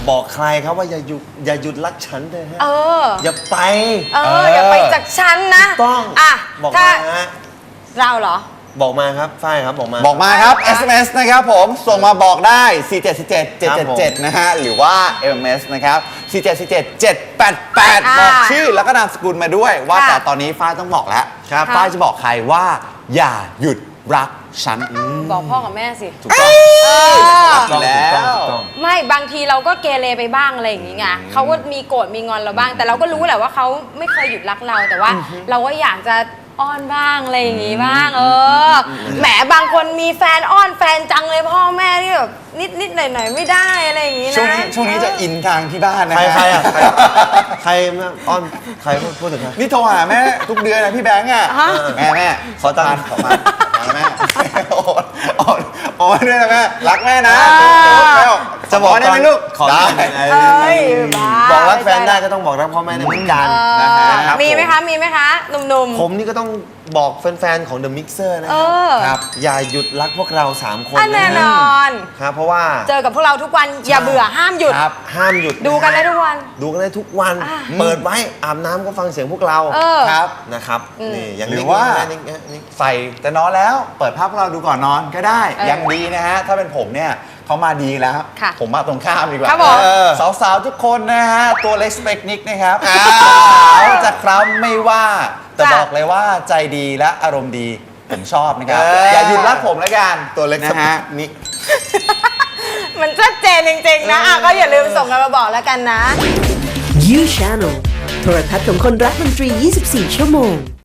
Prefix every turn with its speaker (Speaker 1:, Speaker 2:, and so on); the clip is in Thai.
Speaker 1: บอกใครครับว่าอย่าหยุดรักฉันเลยฮะอย่าไป
Speaker 2: อย่าไปจากฉันนะ
Speaker 1: ต้องบอกมาฮะ
Speaker 2: เราเหรอ
Speaker 1: บอกมาครับฝ้ายครับบอก
Speaker 3: มาครับ SMS นะครับผมส่งมาบอกได้ 4777777 นะฮะหรือว่า SMS นะครับ 4777788 บอกชื่อแล้วก็นามสกุลมาด้วยว่าแต่ตอนนี้ฝ้ายต้องบอกแล้วฝ้ายจะบอกใครว่าอย่าหยุดรักฉัน
Speaker 2: บอกพ่อกับแม่สิ
Speaker 1: ถูกต้องแล้ว
Speaker 2: ไม่บางทีเราก็เกเรไปบ้างอะไรอย่างงี้ไงเขาก็มีโกรธมีงอนเราบ้างแต่เราก็รู้แหละว่าเขาไม่เคยหยุดรักเราแต่ว่าเราก็อยากจะอ้อนบ้างอะไรอย่างงี้บ้างแหมบางคนมีแฟนอ้อนแฟนจังเลยพ่อแม่ที่แบบนิดหน่อยไม่ได้อะไรอย่างงี้นะ
Speaker 3: ช่วงนี้จะอินทางที่บ้านนะ
Speaker 1: ใครอ้อนใครพูดถึงใคร
Speaker 3: นี่โทรหาแม่ทุกเดือนนะพี่แบงค์อ่ะแม่
Speaker 1: ขอตังค์
Speaker 3: แม่โอ้ด้วยนะแม่รักแม่นะ
Speaker 1: จะบอกได้ไหมลูก
Speaker 3: ขอได้
Speaker 1: บอกรักแฟนได้ก็ต้องบอกรักพ่อแม่ได้เหมือนกัน
Speaker 2: มีไหมคะหนุ่ม
Speaker 1: ๆผมนี่ก็ต้องบอกแฟนๆของ The Mixer นะครับอย่าหยุดรักพวกเรา3คน
Speaker 2: แน่นอน
Speaker 1: ครับเพราะว่า
Speaker 2: เจอกับพวกเราทุกวันอย่าเบื่อห้ามหยุด
Speaker 1: ห้ามหยุด
Speaker 2: ดูกันได้ทุกวัน
Speaker 1: เปิดไว้อาบน้ำก็ฟังเสียงพวกเรา
Speaker 3: ครับ
Speaker 1: นะครับนี่อย่าง
Speaker 3: หรือว่าใส่แต่นอนแล้วเปิดภาพพวกเราดูก่อนนอนก็ได้ยังดีนะฮะถ้าเป็นผมเนี่ยเขามาดีแล้วผมมาตรงข้ามดีกว่าสาวๆทุกคนนะฮะตัวเล็กสเปกนิกนะครับเขาจะคล้ำไม่ว่าแต่บอกเลยว่าใจดีและอารมณ์ดีผมชอบนะครับอย่าหยุดรักผมแล้วกัน
Speaker 1: ตัวเล็กสเปกนิก
Speaker 2: มันชัดเจนจริงๆนะก็อย่าลืมส่งกันมาบอกแล้วกันนะ
Speaker 4: You Channel โทรทัศน์ของคนรักดนตรี 24 ชั่วโมง